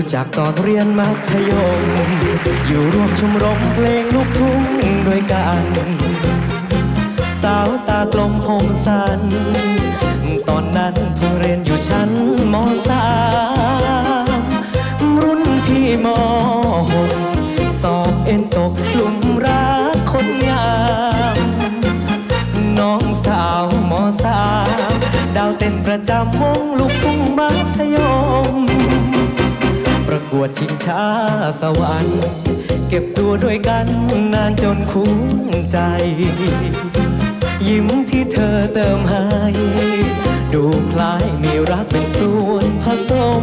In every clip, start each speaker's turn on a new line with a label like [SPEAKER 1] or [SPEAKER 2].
[SPEAKER 1] จักตอนเรียนมัธยมอยู่ร่วมชมรมเพลงลูกทุ่งด้วยกันสาวตากลมคมสันตอนนั้นเพิ่งเรียนอยู่ชั้นม.3 รุ่นพี่ม.6 สอบเอ็นตกหลุมรักคนงามน้องสาวม.3 ดาวเต้นประจำวงลูกทุ่งมัธยมประกวดชิงช้าสวรรค์เก็บตัวด้วยกันนานจนคุ้นใจยิ้มที่เธอเติมให้ดูคล้ายมีรักเป็นส่วนผสม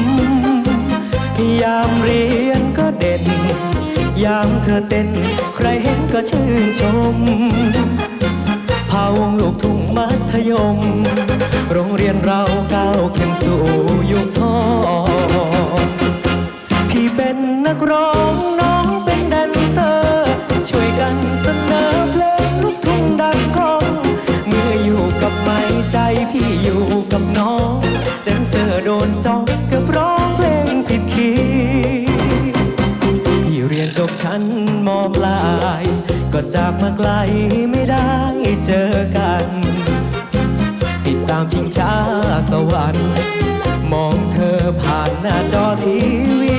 [SPEAKER 1] ยามเรียนก็เด่นยามเธอเต้นใครเห็นก็ชื่นชมพาวงลูกทุ่งมัธยมโรงเรียนเราก้าวขึ้นสู่ยุคทองพี่เป็นนักร้องน้องเป็นแดนเซอร์ช่วยกันเสนอเพลงลูกทุ่งดังก้องเมื่ออยู่กับไม้ใจพี่อยู่กับน้องแดนเซอร์โดนจ้องเกือบร้องเพลงผิดคีย์พี่เรียนจบชั้นม.ปลายก็จากมาไกลไม่ได้เจอกันติดตามชิงช้าสวรรค์มองเธอผ่านหน้าจอทีวี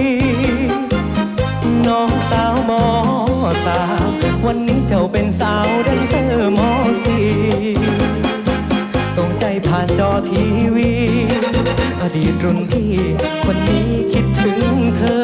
[SPEAKER 1] น้องสาวม.3 วันนี้เจ้าเป็นสาวแดนเซอร์ม.4 ส่งใจผ่านจอทีวีอดีตรุ่นพี่คนนี้คิดถึงเธอ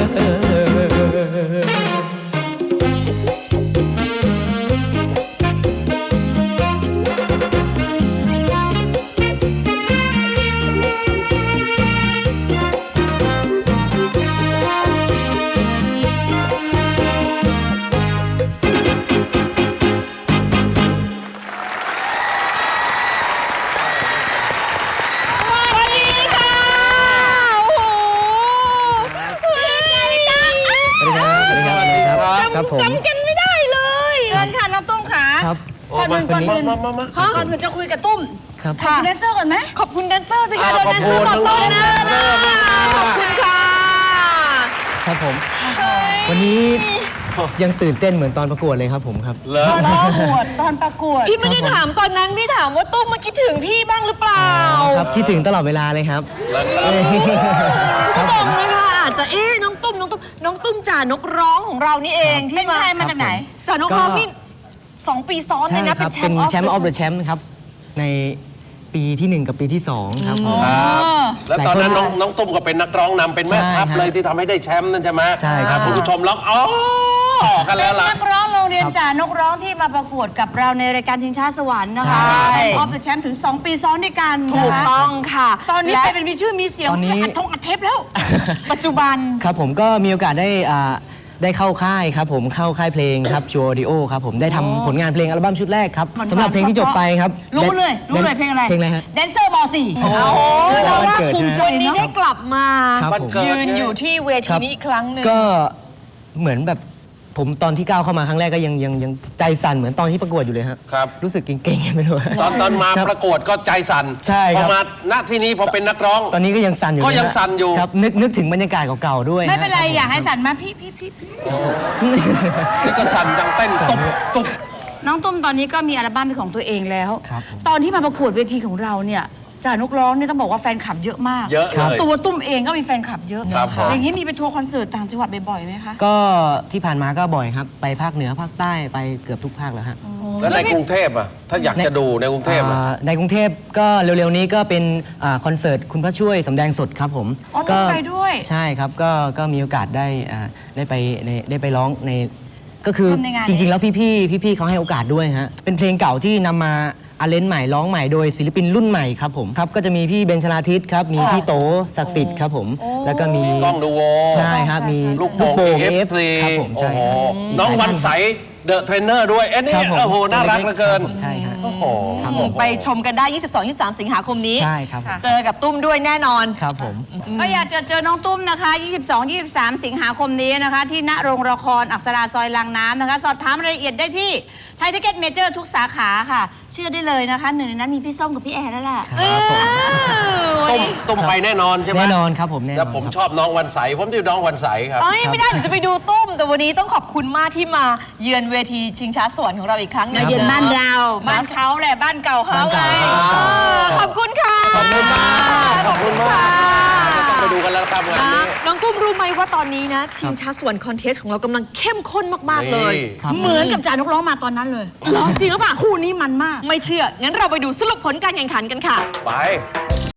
[SPEAKER 2] จำกันไม่ได้เลยเชิญค่ะน้องตุ้มขาก่อนอื่นจะคุยกับตุ้มขอบคุณแดนเซอร์ก่อนไหมขอบคุณแดนเซอร์สิคะแดนเซอร์บอกต้นนะขอบคุณค่ะ
[SPEAKER 1] ครับผมวันนี้ยังตื่นเต้นเหมือนตอนประกวดเลยครับผมครับ
[SPEAKER 2] ตอนประกวด
[SPEAKER 3] พี่ไม่ได้ถามตอนนั้นพี่ถามว่าตุ้มมาคิดถึงพี่บ้างหรือเปล่า
[SPEAKER 1] ครับคิดถึงตลอดเวลาเลยครับ
[SPEAKER 3] ผู้ชมนะคะอาจจะน้องตุ้มจ่านกร้องของเรานี่เองที่
[SPEAKER 2] มาจากไหน
[SPEAKER 3] จ่านกร้องนี่2 ปีซ้อนเลยนะเป็นแชมป์ออฟเดอะ
[SPEAKER 1] แชมป์ครับในปีที่1กับปีที่2ครับ
[SPEAKER 4] แล้วตอนนั้นน้องตุ้มก็เป็นนักร้องนำเป็นแม่ทัพเลยที่ทำให้ได้แชมป์นั่นใช่ไหม
[SPEAKER 1] ใช่ครับ
[SPEAKER 4] คุณผู้ชมร้องกันแล้วล่ะ
[SPEAKER 2] นักร้องโรงเรียนจ่านกร้องที่มาประกวดกับเราในรายการชิงช้าสวรรค์นะคะออฟเดอะแชมป์ถึง2 ปีซ้อนด้วยกัน
[SPEAKER 3] ถูกต้องค่ะ
[SPEAKER 2] ตอนนี้เป็นมีชื่อมีเสียงอัดเทปแล้ว
[SPEAKER 3] ปัจจุบัน
[SPEAKER 1] ครับผมก็มีโอกาสได้เข้าค่ายครับผมเข้าค่ายเพลงครับชูออดิโอครับผมได้ทำผลงานเพลงอัลบั้มชุดแรกครับสำหรับเพลงที่จบไปครับ
[SPEAKER 2] รู้เลยเพลงอะไร
[SPEAKER 1] ฮะ
[SPEAKER 2] แดนเซอร์ม.4
[SPEAKER 3] โอ้โหเราว่าภูมิใจนี้ได้กลับมายืนอยู่ที่เวทีนี้อีกครั้งหนึ่ง
[SPEAKER 1] ก็เหมือนแบบผมตอนที่ก้าวเข้ามาครั้งแรกก็ยังใจสั่นเหมือนตอนที่ประกวดอยู่เลยครับรู้สึกเก่งๆไม่รู้
[SPEAKER 4] ตอนมาประกวดก็ใจสั่น
[SPEAKER 1] ใช่ครับ
[SPEAKER 4] พอมาณที่นี้พอเป็นนักร้อง
[SPEAKER 1] ตอนนี้ก็ยังสั่นอยู่ครับนึกถึงบรรยากาศเก่าๆด้วย
[SPEAKER 2] ไม่เป็นไรอยากให้สั่นมาพี่
[SPEAKER 4] นี่ก็สั่นจังเต้นตุบ
[SPEAKER 2] น้องตุ้มตอนนี้ก็มีอัลบั้มเป็นของตัวเองแล้วตอนที่มาประกวดเวทีของเราเนี่ยจ่านกร้องนี่ต้องบอกว่าแฟนคลับเยอะมาก
[SPEAKER 4] เยอะเลย
[SPEAKER 2] ตัวตุ้มเองก็มีแฟนคลับเยอะอย่างนี้มีไปทัวร์คอนเสิร์ตต่างจังหวัดบ่อยๆไหมคะ
[SPEAKER 1] ก็ที่ผ่านมาก็บ่อยครับไปภาคเหนือภาคใต้ไปเกือบทุกภาคแล้วฮะ
[SPEAKER 4] แล้วในกรุงเทพอ่ะถ้าอยากจะดูในกรุงเทพ
[SPEAKER 1] ในกรุงเทพก็เร็วๆนี้ก็เป็นคอนเสิร์ตคุณพระช่วยสำแดงสดครับผม
[SPEAKER 2] ก็ไปด้วย
[SPEAKER 1] ใช่ครับก็มีโอกาสได้ไปร้องในก็คือจริงๆแล้วพี่เขาให้โอกาสด้วยฮะเป็นเพลงเก่าที่นำมาอาเลนใหม่ร้องใหม่โดยศิลปินรุ่นใหม่ครับผมครับก็จะมีพี่เบนชลาทิศครับมีพี่โตศักดิ์สิทธิ์ครับผมแล้วก็มี
[SPEAKER 4] กล้องดูโว
[SPEAKER 1] ใช่ครับมี
[SPEAKER 4] ลูกโป่งFC
[SPEAKER 1] ครับผมใช่
[SPEAKER 4] น้องวันใสเดอะเทรนเนอร์ด้วยนี่โอ้โหน่ารักเหลือเกิน
[SPEAKER 1] ใช่ฮะ
[SPEAKER 4] โอ้โห
[SPEAKER 3] ไปชมกันได้ 22-23 สิงหาคมนี้
[SPEAKER 1] ใช่ครับ
[SPEAKER 3] เจอกับตุ้มด้วยแน่นอน
[SPEAKER 1] ครับผม
[SPEAKER 2] ก็อยากจะเจอน้องตุ้มนะคะ 22-23 สิงหาคมนี้นะคะ ที่ณโรงละครอักษราซอยลางน้ำนะคะ สอบถามรายละเอียดได้ที่ไทยทิเก็ตเมเจอร์ทุกสาขาค่ะ เชื่อได้เลยนะคะหนึ่งในนั้นมีพี่ส้มกับพี่แอร์แล้วล่ะ
[SPEAKER 4] ตุ้มไปแน่นอนใช่ไหม
[SPEAKER 1] แน่นอนครับผมแน่นอน
[SPEAKER 4] แล้วผมชอบน้องวันใสผมที่น้องวันใสครับ
[SPEAKER 3] เอ้ยไม่ได้หนูจะไปดูตุ้ม แต่วันนี้ต้องขอบคุณมากที่มาเยือนเวทีชิงช้าสวรรค์ของเราอีกครั้งหนึง
[SPEAKER 2] มาเยือนบ้านเรา บ้านเขาแหละ บ้านเก่าเขาไง
[SPEAKER 3] ขอบคุณค่ะ
[SPEAKER 4] ขอบคุณมากขอบคุณมากต้องไปดูกันแล้วครับวันนี้
[SPEAKER 3] น้องตุ้มรู้ไหมว่าตอนนี้นะ ชิงช้าสวรรค์คอนเทสของเรากำลังเข้มข้นมากๆเลย
[SPEAKER 1] ครับ
[SPEAKER 2] เหมือนกับจ่านกร้องมาตอนนั้นเลย
[SPEAKER 3] จริงหรือเปล่า
[SPEAKER 2] คู่นี้มันมาก
[SPEAKER 3] ไม่เชื่อ งั้นเราไปดูสรุปผลการแข่งขันกันค่ะ
[SPEAKER 4] ไป